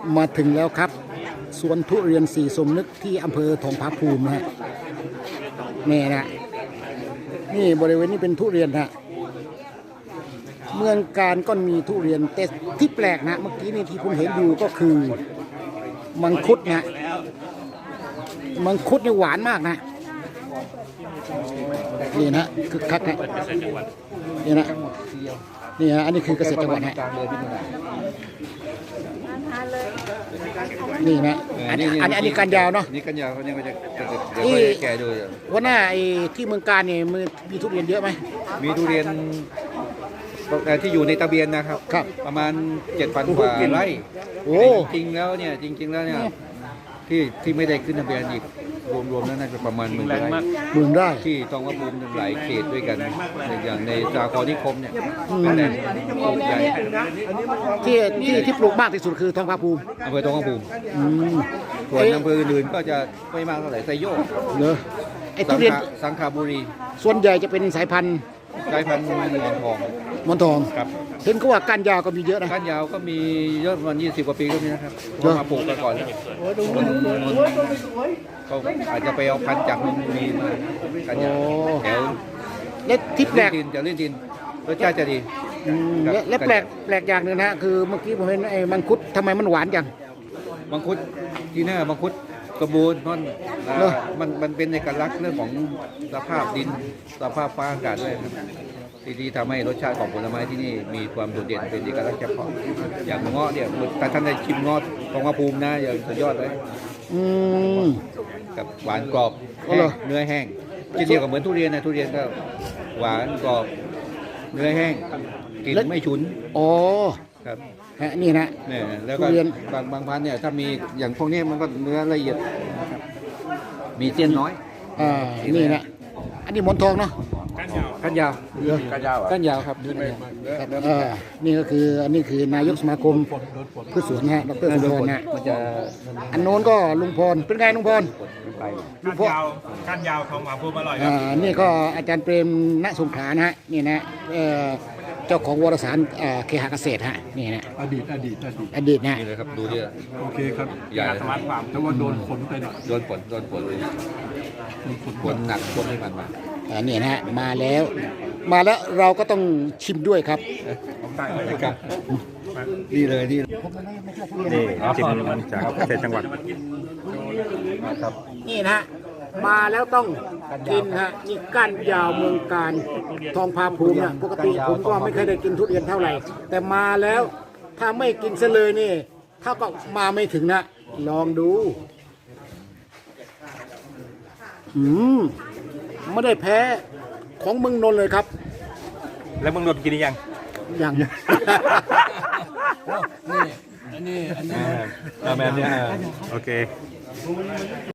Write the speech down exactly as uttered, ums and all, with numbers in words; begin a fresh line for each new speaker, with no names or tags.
มาถึงแล้วครับสวนทุเรียนสีสมนึกที่อำเภอทองผาภูมินะฮะนี่นะนี่บริเวณนี้เป็นทุเรียนฮะเมืองการก็มีทุเรียนแต่ที่แปลกนะเมื่อกี้นี่ที่ผมเห็นอยู่ก็คือมังคุดนะมังคุดนี่หวานมากนะนี่นะคือคักนะนี่นะนี่ฮะอันนี้คือเกษตรจังหวัดฮะนี่นะอันนี้อันนี้อันนี้การยาวเนาะ
นี่กันยาวเขาเนี่ยก็จะจะจะแก่ดูอยู่
วันหน้าไอ้ที่เมืองการเนี่ยมันมีทุเรียนเยอะไหม
มีทุเรียนที่อยู่ในตะเบียนนะครับ
ครับ
ประมาณเจ็ดพันกว่าไร่
โอ้
จริงแล้วเนี่ยจริงๆแล้วเนี่ยที่ที่ไม่ได้ขึ้นทะเบียนอีกรวมๆแล้วน่าจะประมาณหมื่นไร่
หมื่นไร่
ที่ทองผาภูมิหลายเขตด้วยกันอย่างในสาครนิคมเนี่ยเป็นแหล่งปลูกใหญ่
ที่ที่ที่ปลูกมากที่สุดคือทองผาภูมิ
อำเภอทองผาภูมิส่วนอำเภออื่นก็จะไม่มากเท่าไหร่ไซโยก
เนอะไอ้ทุเรียน
สังขบุรี
ส่วนใหญ่จะเป็นสายพันธุ์
สายพันธุ์หมอนทอง
หมอนทอง
ครับ
เห็นก็ว่าก้านยาวก็มีเยอะนะ
ก้านยาวก็มีเยอะประมาณยี่สิบกว่าปีก็มีนะครับมาปลูกกันก่อนแล้วเขาอาจจะไปเอาพันธุ์จากเมืองมีมาก้านยาวแถว
เล็ดที่แปลก
จะเล่นดินรสชาติจะดี
และแปลกแปลกอย่างหนึ่งนะคือเมื่อกี้ผมเห็นไอ้มังคุดทำไมมันหวานจัง
มังคุดที่หน้ามังคุดกระบูนนั่นมันมันเป็นเอกลักษณ์เรื่องของสภาพดินสภาพฟ้าอากาศด้วยที่ที่ทำให้รสชาติของผลไม้ที่นี่มีความโดดเด่นเป็นเอกลักษณ์เฉพาะอย่างเงาะเนี่ยแต่ท่านได้ชิมเงาะทองผาภูมินะอย่างสุดยอดเลยกับหวานกรอบเนื้อแห้งเดียวกับเหมือนทุเรียนนะทุเรียนก็หวานกรอบเนื้อแห้งกลิ่นไม่ฉุน
อ๋อ
ครับ
นี่นะ
เนี่ยแล้วก็บางบางพันธุ์เนี่ยถ้ามีอย่างพวกนี้มันก็เนื้อละเอียดมีเส้นน้อย
อ่านี่นะอันนี้หมอนทองเนาะ
ก้านยาวก้านยาวก้านยาวครับ
นี่ก็คืออันนี้คือนายกสมาคมพืชสวนฮะดรสุพรนะ
มันจะ
อันโน้นก็ลุงพรเป็นไงลุงพร
ลุงพรก้านยาวของหมาพูดอร่อยครับ
นี่ก็อาจารย์เปรมณสงขลานะฮะนี่นะเจ้าของวารสารเคหเกษตรฮะนี่นะ
อดีตอดีตอดีต
อดีตนะ
นี่เลยครับดูดิ
โอเคครับ
ใหญ่
สมาร์ทฟาร์ม
แต่ว่าโดนฝนไปหน่อย
โดนฝนโดนฝนเลยฝนหนักฝนไม่ผ่านมา
อันนี้นะฮะมาแล้วมาแล้วเราก็ต้องชิมด้วยครับ
ครับนี่เลยนี่
นี่ชิมมันจากเกษตรจังหวัด
ครับนี่นะมาแล้วต้องกินฮะนี่ก้านยาวเมืองการทองผาภูมินะปกติผมก็ไม่เคยได้กินทุเรียนเท่าไหร่แต่มาแล้วถ้าไม่กินซะเลยนี่ถ้าก็มาไม่ถึงนะลองดูอืมไม่ได้แพ้ของเมืองนนท์เลยครับ
แล้วเมืองนนท์กินยัง
ยัง
นี่อันนี้อันนี้
แบบนี้โอเค